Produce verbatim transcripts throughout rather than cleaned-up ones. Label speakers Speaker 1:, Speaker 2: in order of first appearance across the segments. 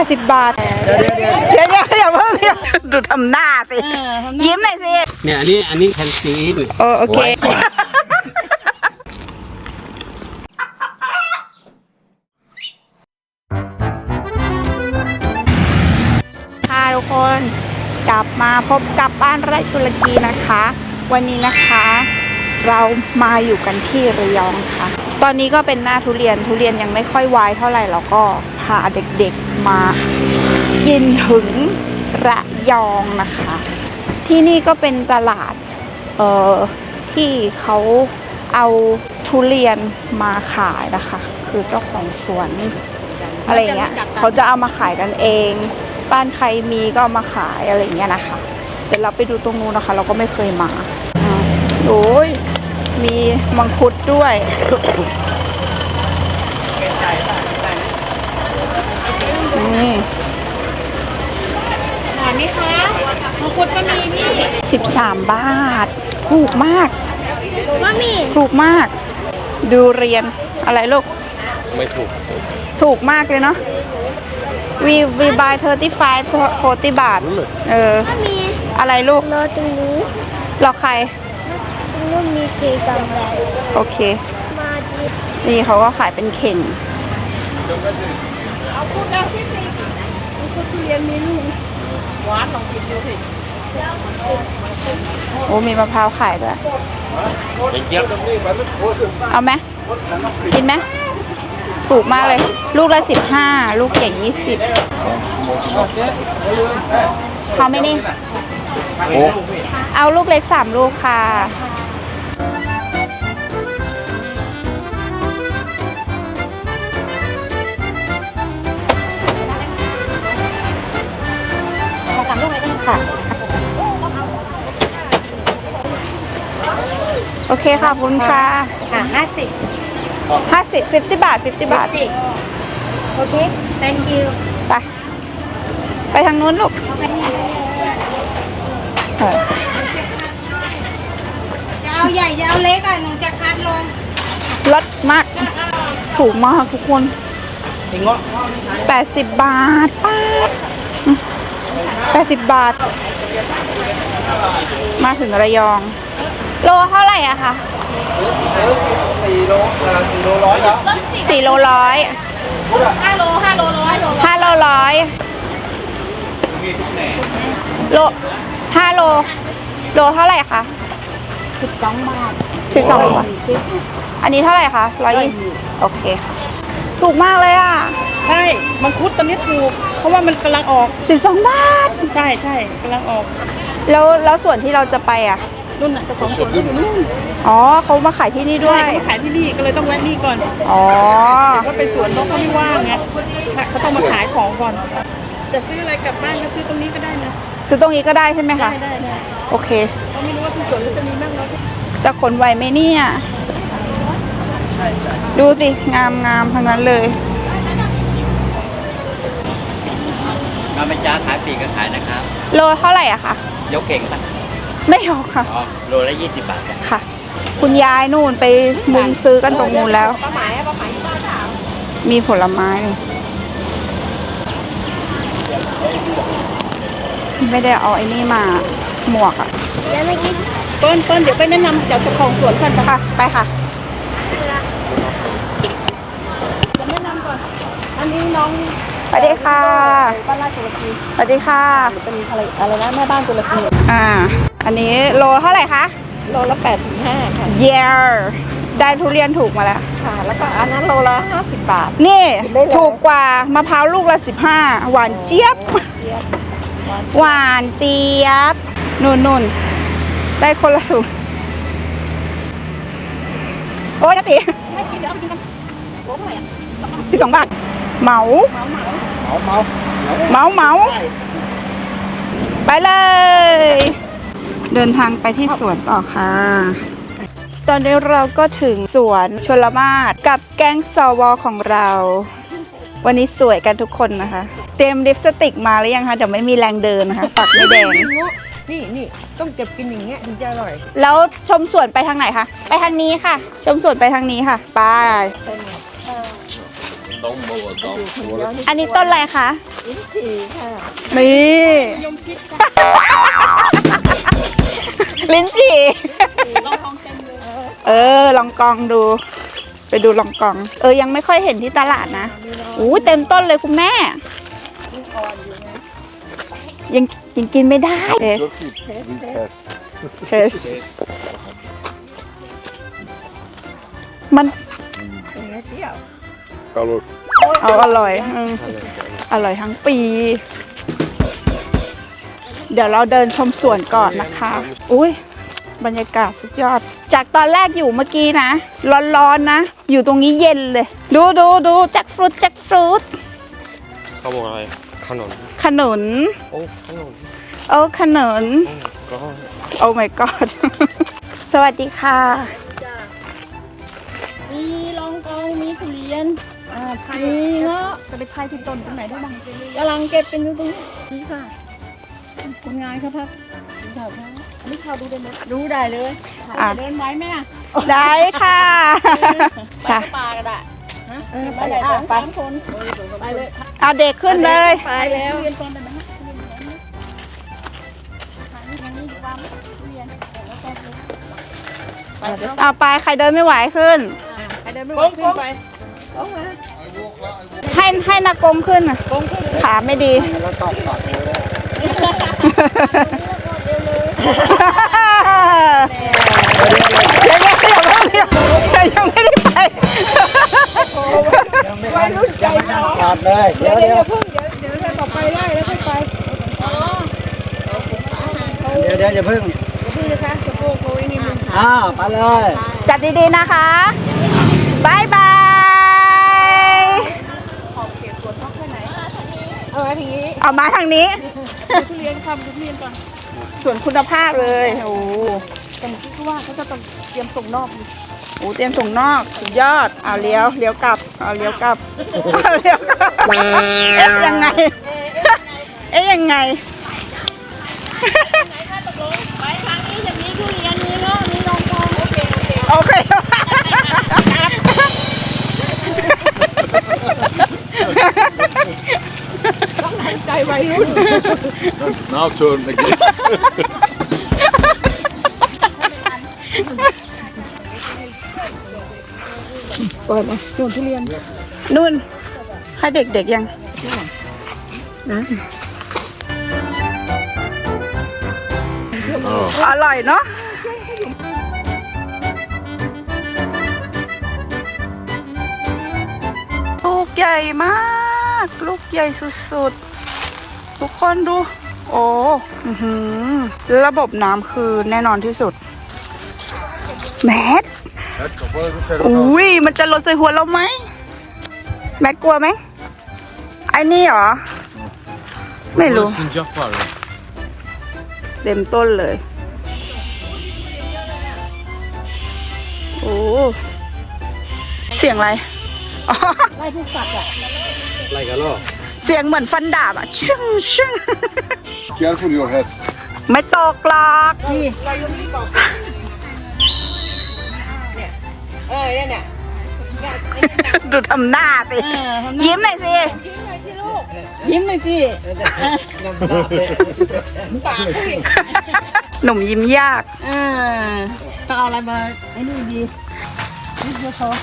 Speaker 1: ดสิบบาทเดี๋ยวเดี๋ยวเดี๋ยวอย่าเพิ่งดูทำหน้าสิยิ้มหน่อยสิ
Speaker 2: เนี่ยอันนี้อันนี้แคนซีอีท
Speaker 1: โอเคค่ะทุกคนกลับมาพบกับบ้านไร่ตุรกีนะคะวันนี้นะคะเรามาอยู่กันที่ระยองค่ะตอนนี้ก็เป็นหน้าทุเรียนทุเรียนยังไม่ค่อยวายเท่าไหร่แล้วก็พาเด็กๆมากินถึงระยองนะคะที่นี่ก็เป็นตลาดเอ่อที่เขาเอาทุเรียนมาขายนะคะคือเจ้าของสวนอะไรเงี้ยเขาจะเอามาขายกันเองบ้านใครมีก็เอามาขายอะไรเงี้ยนะคะเดี๋ยวเราไปดูตรงนู้นนะคะเราก็ไม่เคยมาโอ้ยมีมังคุดด้วยนี่
Speaker 3: หวานไหมคะมังคุดก็มีพี่
Speaker 1: สิบสามบาทถูกมาก
Speaker 3: ว่ามี
Speaker 1: ถูกมากดูเรียนอะไรลูก
Speaker 2: ไม่ถูก
Speaker 1: ถูกมากเลยเนาะ we we buy thirty-five forty บาทเอออะไรลูก
Speaker 3: รอตรงนี้
Speaker 1: รอใคร
Speaker 3: ตรงนู้นมีเกกำไร
Speaker 1: โอเคนี่เขาก็ขายเป็นเข่ง
Speaker 3: เอาคุดแล้วพี่สิมีคุดทุเรียนมีลูกหวานลองกินดูสิ
Speaker 1: โอ้มีมะพร้าวขายด้วยเอาไหมกินไหมถูกมากเลยลูกละสิบห้าลูกใหญ่ยี่สิบเขาไม่นี่เอาลูกเล็กสามลูกค่ะ
Speaker 3: สามลูกเลย
Speaker 1: ค่ะโอเคค่ะขอบคุณค่ะ
Speaker 3: ค่ะห้าสิบ
Speaker 1: ห้าสิบ fifty บาท fifty บาท
Speaker 3: โอเค thank you
Speaker 1: ไปไปทางนู้นลูก
Speaker 3: จะเอาใหญ่จะเอาเล็กอ่ะหนูจะคัดลง
Speaker 1: ลดมากถูกมากทุกคนแปดสิบบาทป้าแปดสิบบาทมาถึงระยองโลเท่าไหร่อะคะสี่โลสี่โลร้อยสี่โลร้อย
Speaker 3: ห้าโลห้าโลร้อย
Speaker 1: ห้าโลร้อยโลห้าโลโลเท่าไหร่คะ
Speaker 3: สิบสองบาท
Speaker 1: สิบสองบาทอันนี้เท่าไหร่คะร้อยยี่สิบโอเคค่ะถูกมากเลยอ่ะ
Speaker 4: ใช่มังคุดตอนนี้ถูกเพราะว่ามันกำลังออก
Speaker 1: สิบสองบาท
Speaker 4: ใช่ใช่กำลังออก
Speaker 1: แล้วแล้วส่วนที่เราจะไปอ่ะ
Speaker 4: นู่นน่ะเจ้าของสวนนู่น
Speaker 1: อ๋อเขามาขายที่นี่ด้วย
Speaker 4: เขามาขายที่นี่ก็เลยต้องแวะนี่ก่อน
Speaker 1: อ๋อ
Speaker 4: แต่ก็เป็นสวนนกเขาไม่ว่างไงเขาต้องมาขายของก่อนจะซื้ออะไรกลับบ้านก็ซื้อตรงนี้ก็ได้นะ
Speaker 1: ซื้อตรงนี้ก็ได้ใช่ไหมคะ
Speaker 4: ได้ได้
Speaker 1: โอเค
Speaker 4: เขาไม่รู้ว่าที่สวนจะมีบ้างแล้ว
Speaker 1: จะขนไหวไหมเนี่ยดูสิงามงามทั้งนั้นเลย
Speaker 2: เราไม่จ้าขายปีกก็ขายนะครับ
Speaker 1: โลเท่าไหร่อะคะ
Speaker 2: ยกเก่งป่ะ
Speaker 1: ไม่ยกค่ะ
Speaker 2: โลละยี่สิบบาท
Speaker 1: ค่ะคุณยายนู่นไปมุงซื้อกันตรงนู้นแล้ว
Speaker 3: ป้าหมายป้าหมายป้าถาม
Speaker 1: มีผลไม้ไม่ได้เอาไอ้นี่มาหมวกอะ
Speaker 3: แล้วไม่กิน
Speaker 4: ต้นต้นเดี๋ยวไปแนะนำเจ้าของสวนกัน
Speaker 1: ค่ะไปค่ะ
Speaker 4: จะแนะนำก่อนอันนี้น้อง
Speaker 1: สวัสดีค่ะ
Speaker 4: บ้านราชตุรกี
Speaker 1: สวัสดีค่ะ
Speaker 4: เป็นอะไรอะไรนะแม่บ้านตุรกี
Speaker 1: อ่าอันนี้โลเท่าไหร่คะ
Speaker 4: โลละแปดถึงห้าค่ะ
Speaker 1: เย้ได้ทุเรียนถูกมาแล้ว
Speaker 4: ค่ะแล้วก็อันนั้นโลละห้าสิบบาท
Speaker 1: นี่ถูกกว่ามะพร้าวลูกละสิบห้าหวานเจี๊ยบหวานเจี๊ยบนุ่นนุ่นได้คนละถุงโอ้ยนาตี
Speaker 4: ไม่กินเดี๋ยวเอาไปกินกันโอ้ย
Speaker 1: สิบสองบาทเหมา
Speaker 4: เหมา
Speaker 1: เหมาเหมาเหมาไปเลยเดินทางไปที่สวนต่อค่ะตอนนี้เราก็ถึงสวนชลมาศกับแก๊งสวของเราวันนี้สวยกันทุกคนนะคะเตรียมลิปสติกมาหรือยังคะเดี๋ยวไม่มีแรงเดินนะคะปากไม่แดง
Speaker 4: นี่นี่ต้องเก็บกินอย่างเงี้ยถึงจะอร่อย
Speaker 1: แล้วชมสวนไปทางไหนคะไปทางนี้ค่ะชมสวนไปทางนี้ค่ะไปอันนี้ต้นอะไรคะ
Speaker 3: ลิ้นจี่ค่ะ
Speaker 1: นี่
Speaker 4: ยมคิดค่ะ
Speaker 1: ลิ้นจี่
Speaker 4: ลองลองเต็มเลย
Speaker 1: เออ ลองกองดู ไปดูลองกอง เออ ยังไม่ค่อยเห็นที่ตลาดนะอู้เต็มต้นเลยคุณแม่ ยังยังกินไม่ได้เทสเทสมัน
Speaker 3: เป็นไงเที่ยว
Speaker 1: เอาอร่อยอืมอร่อยทั้งปี เดี๋ยวเราเดินชมสวนก่อนนะคะ อุ้ยบรรยากาศสุดยอด จากตอนแรกอยู่เมื่อกี้นะ ร้อนๆนะ อยู่ตรงนี้เย็นเลย ดูดูดูแจ็คฟรุตแจ็คฟรุต
Speaker 5: เขาบอกอะไรขนม
Speaker 1: ขนุน
Speaker 5: โอ้ขนม
Speaker 1: โอ้ขนุน
Speaker 5: ก็
Speaker 1: โอ้ my god สวัสดีค่ะ
Speaker 4: จ้ามีลองกองมีทุเรียน
Speaker 3: อ่าไทย
Speaker 4: มีเงาะ
Speaker 3: จะไปไทยที่ต้นตรงไหนได้บ้าง
Speaker 4: กำลังเก็บเป็นอยู่ตรงนี้นี่ค่ะคนงานครับครับดูข่าวครับอันนี้ข่าวดูได้ไหมดูได้เลย
Speaker 1: อ่ะ
Speaker 4: เดินไหวไหมอ่ะ
Speaker 1: ได้ค่ะ ใช่
Speaker 4: ไปปลาก็ได้ฮะ
Speaker 3: เออ
Speaker 4: ไป
Speaker 3: ไป
Speaker 4: ไหน
Speaker 3: อ่ะ
Speaker 4: สอง
Speaker 3: ไป
Speaker 4: สามคนไปเลย
Speaker 1: เอาเด็กขึ้นเลย
Speaker 4: ไปแล้วเรียนก่อนได้ไหมทางนี้ทางนี้วางเรียนแล้วก็ไปเดี๋ยว
Speaker 1: เอาไปใครเดินไม่ไหวขึ้น
Speaker 3: ไปเดินไม่ไหวขึ้นไปโอ้มา
Speaker 1: ให้ให้นากงขึ้นน่ะขาไม่ดี เดี๋ยวเดี๋ยวเดี๋ยวเดี๋ยวเดี๋ยวยังไม่ได้ไป
Speaker 3: วัยรุ่นใจร้อน
Speaker 2: ขาดเลย
Speaker 3: เดี๋ยวเดี๋ยวเพิ่งเดี๋ยวเดี๋ยวเราต่อไปไล่แล้วค่อยไป
Speaker 2: เดี๋ยวเดี๋ยวอย่าเพิ่ง
Speaker 3: เดี๋ยวเพิ่งนะคะสะโพกโควิดนี่มัน
Speaker 2: อ้าวไปเลย
Speaker 1: จัดดีๆนะคะบายบาย
Speaker 3: เออทีนี้
Speaker 1: เอามาทางนี้
Speaker 3: ทุเรียนคำทุเรียนก่อน
Speaker 1: ส่วนคุณภาพเลยโอ้โห
Speaker 3: แต่เมื่อกี้เขาว่าเขาจะต้องเตรียมส่งนอกอยู่
Speaker 1: โอ้เตรียมส่งนอกสุดยอด เอาเลี้ยวเลี้ยวกลับ เอาเลี้ยวกลับเอาเลี้ยวกลับเอ๊ะยังไง เอ๊ะยังไง
Speaker 4: ไปทางนี้จะมีทุเรียนมีเงาะมีลองกองโอเคโอเค
Speaker 1: โอเค
Speaker 3: ใจวัยรุ่น
Speaker 6: Now turn again.
Speaker 3: เปิดมาส่วนทุเรียน
Speaker 1: นุ่น ให้เด็กๆยังอร่อยเนาะลูกใหญ่มาก ลูกใหญ่สุดๆ ทุกคนดู โอ้อื้อหือระบบน้ำคือแน่นอนที่สุด แมทอุ้ยมันจะหล่นใส่หัวเราไหม แมทกลัวไหม ไอ้นี่เหรอ ไม่รู้
Speaker 5: สินจักรเลย
Speaker 1: เต็มต้นเลย โอ้ เสียงอะไร อ๋อ
Speaker 3: ไล่พวกสัตว์อ่ะ
Speaker 2: อะไรกันล่ะ
Speaker 1: เสียงเหมือนฟันดาบอ่ะชึ่งชึ่ง
Speaker 6: Careful your head.
Speaker 1: ไม่ตกหรอก
Speaker 3: นี่เออเนี่ยเนี่ย
Speaker 1: ดูทำหน้าสิ ยิ้มหน่อยสิ
Speaker 3: ยิ้มหน่อยสิ ปากสิ
Speaker 1: หนุ่มยิ้มยาก
Speaker 3: อ่าต้องเอาอะไรมาไอ้นี่ดีนี่เดี๋ยวเขา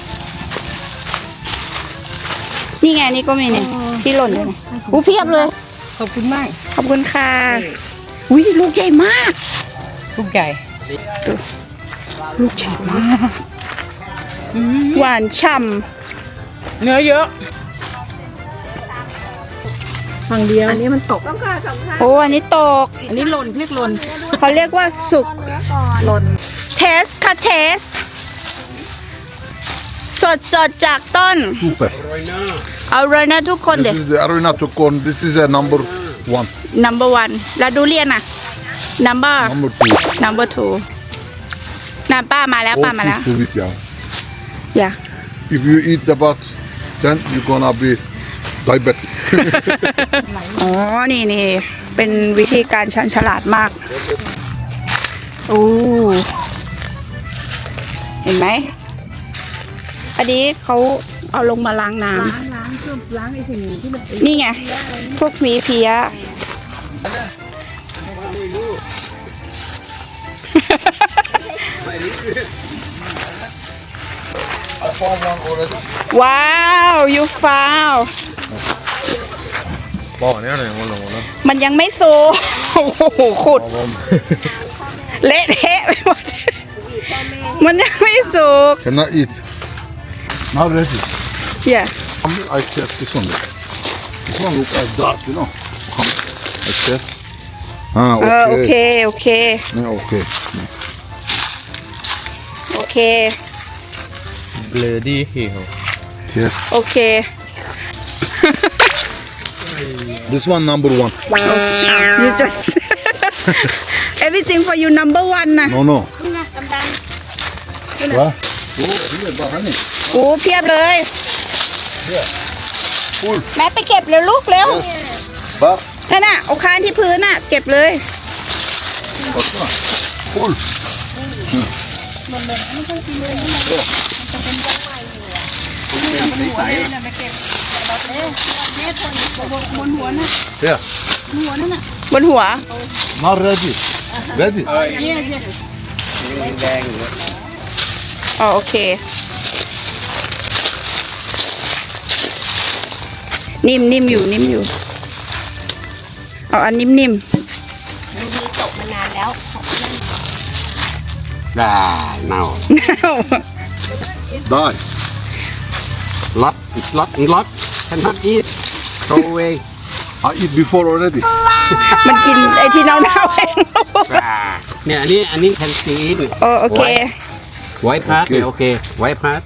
Speaker 1: นี่ไงนี่ก็มีเนี่ยที่หล่นอยู่เนี่ยอู้เพียบเลย
Speaker 3: ขอบคุณมาก
Speaker 1: ขอบคุณค่ะ อุ้ยลูกใหญ่มาก
Speaker 3: ลูกใหญ่
Speaker 1: ลูกใหญ่มาก หวานฉ่
Speaker 4: เนื้อเยอะ
Speaker 3: ฝั่งเดียวอันนี้มันตก
Speaker 1: ำโอ้อันนี้ตก
Speaker 3: อันนี้หล่นเรียกหล่น
Speaker 1: เขาเรียกว่าสุกหล่นเทสค่ะเทส สดสดๆจากต้น
Speaker 6: Super.
Speaker 1: เอาเลยนะทุกคนเด็
Speaker 6: This is the Arena Tokon. This is a number one.
Speaker 1: number one แล้วดูเรียนอ่ะ number
Speaker 6: Number two.
Speaker 1: number two น้ำป้ามาแล้วป้า
Speaker 6: All
Speaker 1: มาแล้ว
Speaker 6: too sweet, yeah.
Speaker 1: อย่า
Speaker 6: If you eat the butt, then you're gonna be diabetic.
Speaker 1: อ๋อ นี่นี่ เป็นวิธีการชันฉลาดมาก โอ้ เห็นไหม อันนี้เขาเอาลงมาล้างน้ำ
Speaker 3: ล้างไอ้สิ่งที่มัน
Speaker 1: นี่ไง พวกหวีเพี้ย
Speaker 6: I found one already.
Speaker 1: ว้าว you found
Speaker 5: บอกเนี่ยเลยมันลงแล้ว
Speaker 1: มันยังไม่โซโอ้โหขุด เละเทะไปหมด มันยังไม่สุก
Speaker 6: Can I eat? Not ready.
Speaker 1: เหี้ย
Speaker 6: I test this one. This one look like dark, you know. I test. Ah,
Speaker 1: เออโอเค
Speaker 6: okay.
Speaker 1: โอเค
Speaker 6: Yeah, okay.
Speaker 1: โอเค
Speaker 5: เบลอดี้ฮีโร่
Speaker 6: Test.
Speaker 1: โอเค
Speaker 6: This one number one.
Speaker 1: you just everything for you number one นะ
Speaker 6: No, no.
Speaker 3: นี่ไงดำ
Speaker 6: What? Oh, here, but honey.
Speaker 1: โอ้เพียบเลย
Speaker 6: Full.
Speaker 1: แม่ไปเก็บเร็วลูกเร็ว
Speaker 6: But,
Speaker 1: นั่นน่ะเอาคานที่พื้นน่ะ เก็บเลย
Speaker 6: what's that? Full.
Speaker 3: บนหัวน่ะ
Speaker 6: Yeah.
Speaker 3: หัวนั่นน่ะ
Speaker 1: บนหัว
Speaker 6: Not ready. Ready?
Speaker 3: เนี่ยเนี่ย
Speaker 2: แดงอยู่
Speaker 1: อ๋อโอเค นิ่มนิ่มอยู่นิ่มอยู่ เอาอันนิ่มนิ่ม
Speaker 3: ตกมานานแล้ว
Speaker 2: ได้เน่า
Speaker 6: Die.
Speaker 2: ล็อตล็อตล็อตฉันทักอีทโตเอง
Speaker 6: I eat before already.
Speaker 1: มันกินไอ้ที่เน่าๆเอง
Speaker 2: เนี่ยอันนี้อันนี้แคนซีอีท
Speaker 1: เออโอเค
Speaker 2: ไว้พาร์ทเนี่ยโอเคไว้พาร์ท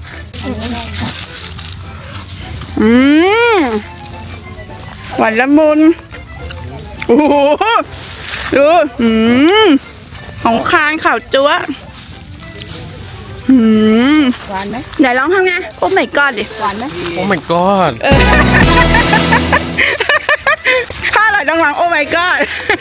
Speaker 1: อืมหวานละมุนโอ้โหดูอืมของคางข่าวจั๊วอืม
Speaker 3: หวานไหม
Speaker 1: ไหนลองทำไงโอ้ไม่กอดดิ
Speaker 3: หวานไหม
Speaker 5: โอ้ my god
Speaker 1: เออถ้าอร่อยต้องลองโอ้ my god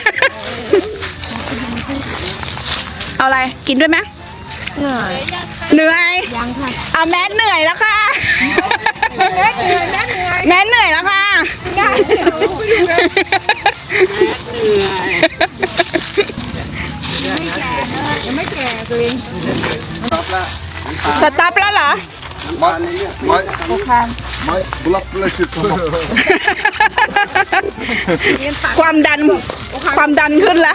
Speaker 1: เอาอะไรกินด้วยไหม
Speaker 3: เหนื่อย
Speaker 1: เหนื่อย
Speaker 3: ยังค่ะ
Speaker 1: เอาแมสเหนื่อยแล้วค่ะแมสเหนื่อยแล้วค่ะสต็อปแล้วเหรอ
Speaker 6: My, my, my blood pressure come up.
Speaker 1: ความดันความดันขึ้นแล้ว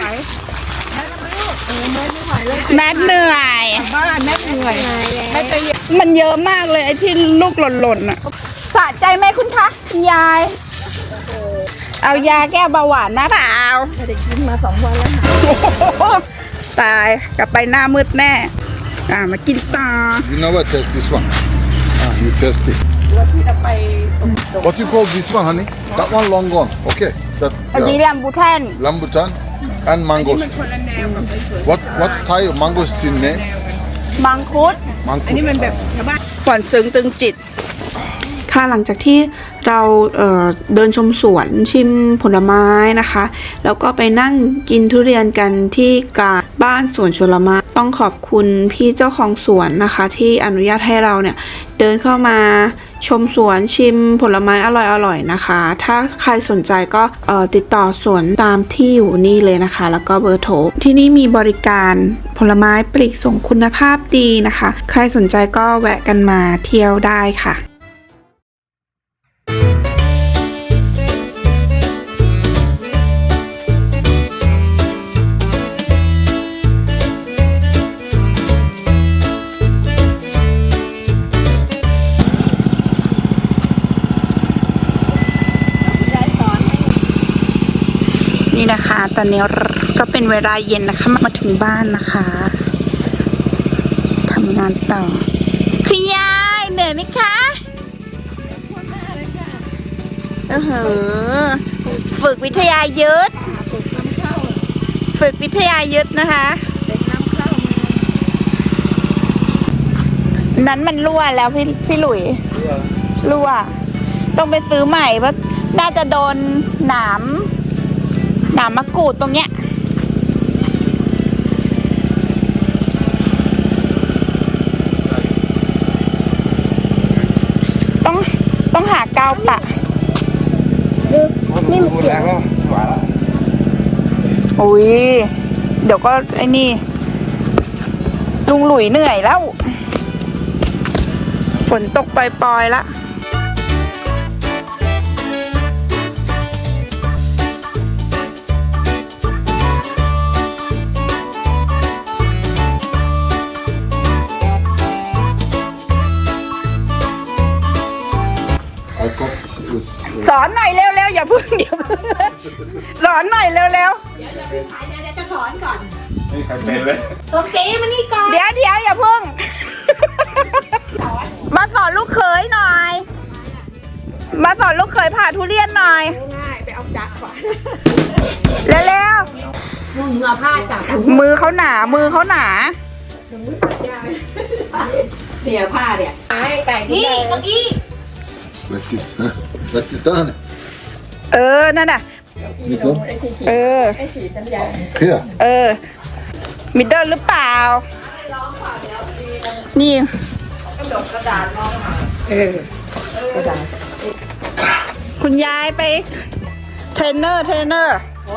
Speaker 1: แมสเหนื่อย
Speaker 3: บ้านแม่เหนื่อยไม่ไป
Speaker 1: มันเยอะมากเลยไอ้ที่ลูกหล่นๆอ่ะสะใจไหมคุณคะคุณยาย เอายาแก้เบาหวานนะเปล่า
Speaker 3: ไม่ได้กินมาสองวันแล้วค่ะ
Speaker 1: โอ้โหตายกลับไปหน้ามืดแน่ อ่ามากินต่อ
Speaker 6: You never test this one. Ah, you test it.
Speaker 3: ตัวที่จะไป
Speaker 6: What you call this one, honey? That one long gone. Okay. That
Speaker 1: อันนี้
Speaker 6: yeah.
Speaker 1: แรมบูแทน
Speaker 6: Rambutan and mangosteen.
Speaker 3: คนละแนวกับไปสวน
Speaker 6: What what's Thai mangosteen name?
Speaker 1: มังคุด
Speaker 6: Mangkuk.
Speaker 3: อันนี้มันแบบชาวบ้าน
Speaker 1: ก่อนซึ้งตึงจิต ค่ะหลังจากที่เราเอ่อเดินชมสวนชิมผลไม้นะคะ แล้วก็ไปนั่งกินทุเรียนกันที่กาบ้านสวนชลไม้ต้องขอบคุณพี่เจ้าของสวนนะคะ ที่อนุญาตให้เราเนี่ยเดินเข้ามาชมสวนชิมผลไม้อร่อยๆนะคะ ถ้าใครสนใจก็เอ่อติดต่อสวนตามที่อยู่นี่เลยนะคะ แล้วก็เบอร์โทรที่นี่มีบริการผลไม้ปลีกส่งคุณภาพดีนะคะ ใครสนใจก็แวะกันมาเที่ยวได้ค่ะ นี่นะคะ ตอนนี้ก็เป็นเวลาเย็นนะคะ มาถึงบ้านนะคะทำงานต่อคุณยายเหนื่อยไหมคะเออเหอะฝึกวิทยายุทธฝึกวิทยายุทธนะคะ นั้นมันรั่วแล้วพี่พี่หลุยรั่ว ต้องไปซื้อใหม่เพราะน่าจะโดนหนามหนามมะกรูดตรงเนี้ยต้องต้องหากาวปะนี่มันเสียงอุ้ยเดี๋ยวก็ไอ้นี่ลุงหลุยเหนื่อยแล้ว ฝนตกปล่อยๆละสอนหน่อยเร็วๆอย่าพึ่งอย่าพึ่งสอนหน่อยเร็วๆ
Speaker 3: เดี๋ยวเดี๋ยวเดี๋ยวจะสอนก่อน
Speaker 6: ไม่ใครเป็นเลย
Speaker 3: โอเคมานี่ก่อน
Speaker 1: เดี๋ยวเดี๋ยวอย่าพึ่ง มาสอนลูกเขยหน่อย มาสอนลูกเขยผ่าทุเรียนหน่อย
Speaker 3: ง่ายไปเอาจักรก่อน
Speaker 1: เร็ว
Speaker 3: มึงเอาผ้าจับ
Speaker 1: ๆมือเขาหนามือเขาหนา
Speaker 4: เสียผ้าเนี่ย
Speaker 3: นี่เก้าอี้
Speaker 6: Let this, huh? Let this down.
Speaker 1: เออนั่นน่ะ
Speaker 6: Middle.
Speaker 1: เออ
Speaker 6: Here.
Speaker 1: เออ มิดเดิลหรือเปล่า นี่คุณยายไป เทรนเนอร์เทรนเนอร์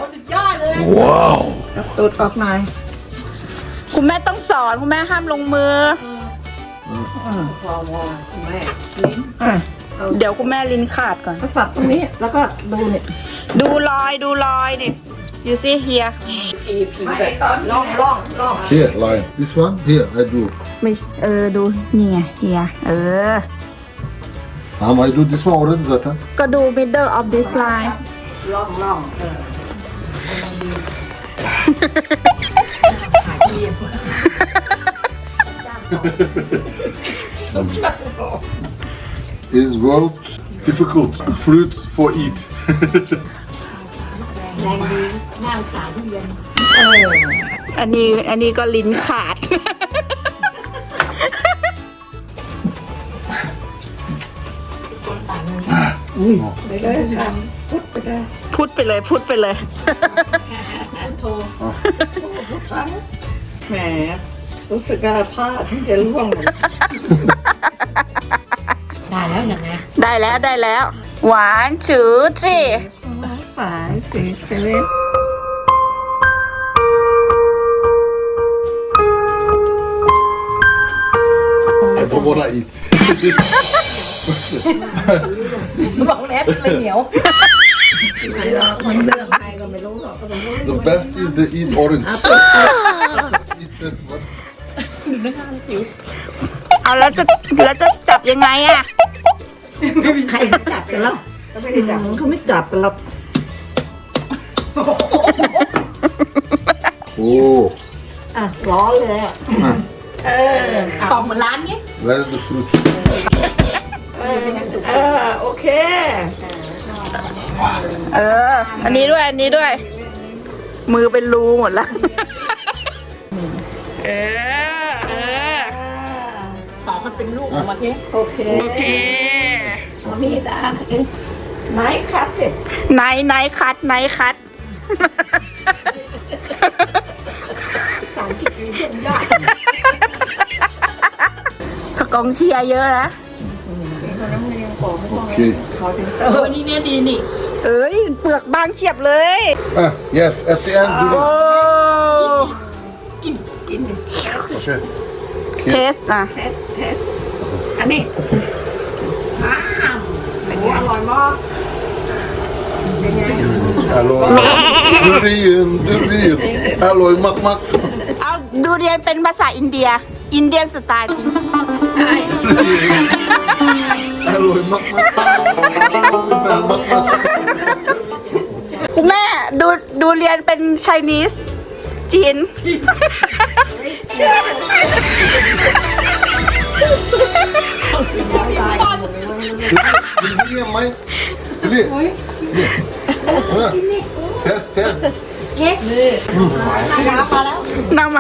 Speaker 4: ตูดออกหน่อย
Speaker 1: คุณแม่ต้องสอนคุณแม่ห้ามลงมือ
Speaker 4: พอพอแม่
Speaker 1: เดี๋ยวคุณแม่ลิ้นขาดก่อน
Speaker 4: ก็สับตรงนี้แล้วก็ดูเนี่ย
Speaker 1: ดูรอยดูรอยดิ you see here
Speaker 4: ล่องล่องล่อง
Speaker 6: Here, line. This one? Here, I do.
Speaker 1: ไม่เออดูนี่ไง here เออ
Speaker 6: Um, I do this one already, zaten.
Speaker 1: ก็ดู middle of this line
Speaker 4: ล่องล่องเออ
Speaker 6: Is world difficult fruit for eat.
Speaker 1: อันนี้อันนี้ก็ลิ้นขาด
Speaker 4: ไปเลยค่ะพุดไปเลย
Speaker 1: พูดไปเลยพูดไปเลย
Speaker 4: แหมรู้สึกว่าผ้าที่จะร่วงหมด
Speaker 3: ได้แล้วอย่างไง
Speaker 1: ได้แล้วได้แล้ว หวานจืดสิ
Speaker 4: ฝายสีเซเว่น
Speaker 6: I don't wanna eat.
Speaker 4: บอกแมสเลยเหนียวมันเลือกใครก็ไม่รู้หรอกก็ไม่รู้
Speaker 6: The best is the eat orange. Eat this one.
Speaker 1: เอาแล้วจะแล้วจะจับยังไงอะ
Speaker 4: ใครเขาจับกันแล้วก็ไม่ได้จับเขาไม่จับกันหรอก
Speaker 6: Oh.
Speaker 4: อ่ะร้อนเลยอ่ะ เออ
Speaker 3: ปอกเหมือนร้านนี้
Speaker 6: Where's the fruit?
Speaker 4: เออโอเค
Speaker 1: เออ อันนี้ด้วยอันนี้ด้วย มือเป็นรูหมดแล้ว เออเออ
Speaker 3: ปอกมันเป็นลูกออกมาเนี้ย
Speaker 4: โอเค
Speaker 1: โอเค
Speaker 4: มีดาไม้คัดสิ
Speaker 1: ไหนไหนคัดไหนคัด
Speaker 4: สารกิจเยี่ยมยอด
Speaker 1: สกองเชียร์เยอะนะ
Speaker 6: Okay.
Speaker 3: เออนี่เนี่ยดีนี่
Speaker 1: เอ้ยเปลือกบางเฉียบเลย
Speaker 6: Ah, yes, at the end. Do
Speaker 1: โอ้
Speaker 6: it. Okay.
Speaker 1: เทสอ่ะ
Speaker 4: เทสเทสอันนี้อ้าวโอ้อร่อยมากเป็นไง
Speaker 6: Alloy. Durian, durian. Alloy mak mak.
Speaker 1: เอาดูเรียนเป็นภาษาอินเดีย อินเดียนสไตล์
Speaker 6: Alloy mak mak. Smell mak mak.
Speaker 1: คุณแม่ดูดูเรียนเป็นไชนีสจีน
Speaker 6: Durian, mai. Durian. Durian. Test, test.
Speaker 1: นำมา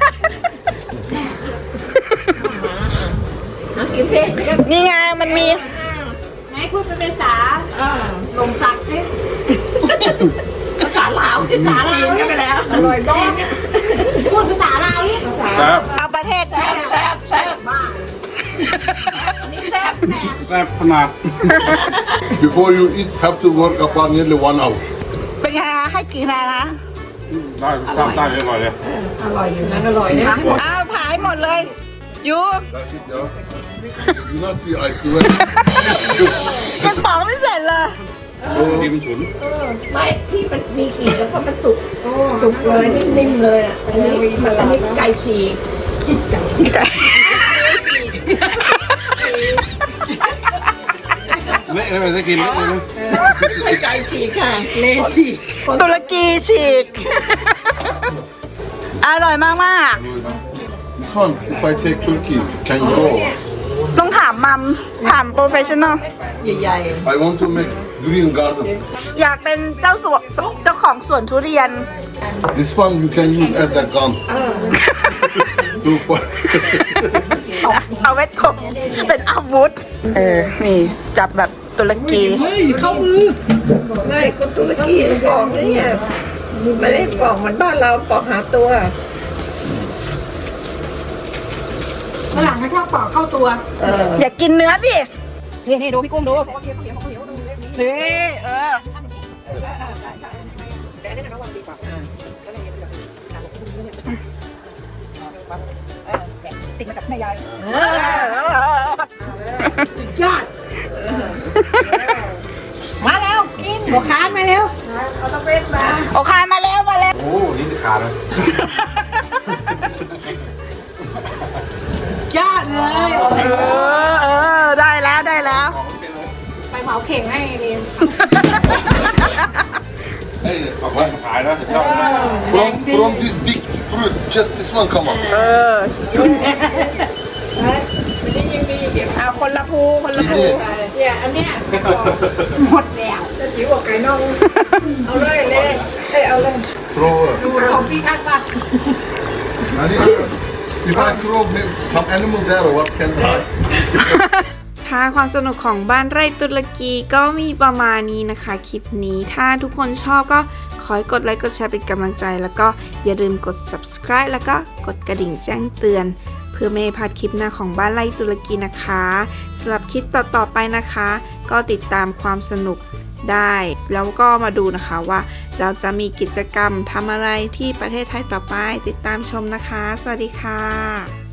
Speaker 1: นี่ไงมันมี
Speaker 3: ไหนพูดเป็นภาษา
Speaker 4: ลมสักให้ภาษาลาวภาษาจีนก็ไปแล้ว อร่อยมาก
Speaker 3: พูดภาษาลาวนี่
Speaker 1: เอาประเทศ
Speaker 4: แซ่บแซ่บแซ่บมากอันนี้แซ่
Speaker 2: แซ่บขนาด
Speaker 6: Before you eat, have to work about nearly one hour.
Speaker 1: เป็นไงคะให้กี่คะแนนนะ
Speaker 2: ได้ตามได้อร่อยเลย
Speaker 4: อร่อยอยู่นะอร่อยนะ
Speaker 1: อ้าวผ่าให้หมดเลยยู
Speaker 6: That's it, yeah. You not see, I swear.
Speaker 1: ยังปอกไม่เสร็จเลย
Speaker 2: ดีมันฉุน
Speaker 4: ไม่ที่มันมีกลิ่นแล้วก็มันสุกสุกเลยนิ่มๆเลยอ่ะอันนี้อันนี้ไก่ฉีก
Speaker 2: เละเลยไม่ได้กินเละเลยนะ
Speaker 4: ไก่ฉีกค่ะเละฉีก
Speaker 1: ตุรกีฉีก อร่อยมากมาก
Speaker 6: This one, if I take Turkey, can you go?
Speaker 1: ๆต้องถามมัม ถามโปรเฟชชั่นอล
Speaker 4: ใหญ่
Speaker 6: I want to make green garden.
Speaker 1: อยากเป็นเจ้าสวนเจ้าของสวนทุเรียน
Speaker 6: This one you can use as a gun. To fight.
Speaker 1: เอาไว้ถกเป็นอาวุธ เออ นี่จับแบบตุรกี
Speaker 4: ๆเข้ามือไม่คนตุรกีปอกเนี่ยไม่ได้ปอกเหมือนบ้านเราปอกหาตัวฝรั่งเขาชอบปอกเข้าตัว
Speaker 1: อย่ากินเนื้อดิ นี่นี่ดูพี่กุ้งดู นี่เออ ติดมาจากแม่ยายยอด
Speaker 4: มาแล้วกินหัวค้านมาเร็ว
Speaker 1: โอคานมาแล้วมาแล้ว
Speaker 2: โอ้นี่ขาดเลย
Speaker 4: ยอดเลย
Speaker 1: เออเออได้แล้วได้แล้ว
Speaker 4: ไปเหมาเข่งให้เรียน
Speaker 2: เฮ้ยขอบคุณขายนะยอดนะ
Speaker 6: From from this big fruit, just this one come out.
Speaker 1: เออเอาคนละภูคนละภู
Speaker 4: เนี่ยอันเนี้ยหมดแล้วจะจิ๋วกับไก่น่องเอาเลยเลยเอ้ยเอาเลย
Speaker 6: Throw.
Speaker 4: ดูของพี่ข้างป่ะ
Speaker 6: I need to- If I throw maybe some animal there, what can I?
Speaker 1: ค่ะความสนุกของบ้านไร่ตุรกีก็มีประมาณนี้นะคะคลิปนี้ถ้าทุกคนชอบก็ขอให้กดไลค์กดแชร์เป็นกำลังใจ แล้วก็อย่าลืมกด subscribe แล้วก็กดกระดิ่งแจ้งเตือน เพื่อไม่ให้พลาดคลิปหน้าของบ้านไร่ตุรกีนะคะสำหรับคลิปต่อๆไปนะคะ ก็ติดตามความสนุกได้ แล้วก็มาดูนะคะว่าเราจะมีกิจกรรมทำอะไรที่ประเทศไทยต่อไปติดตามชมนะคะ สวัสดีค่ะ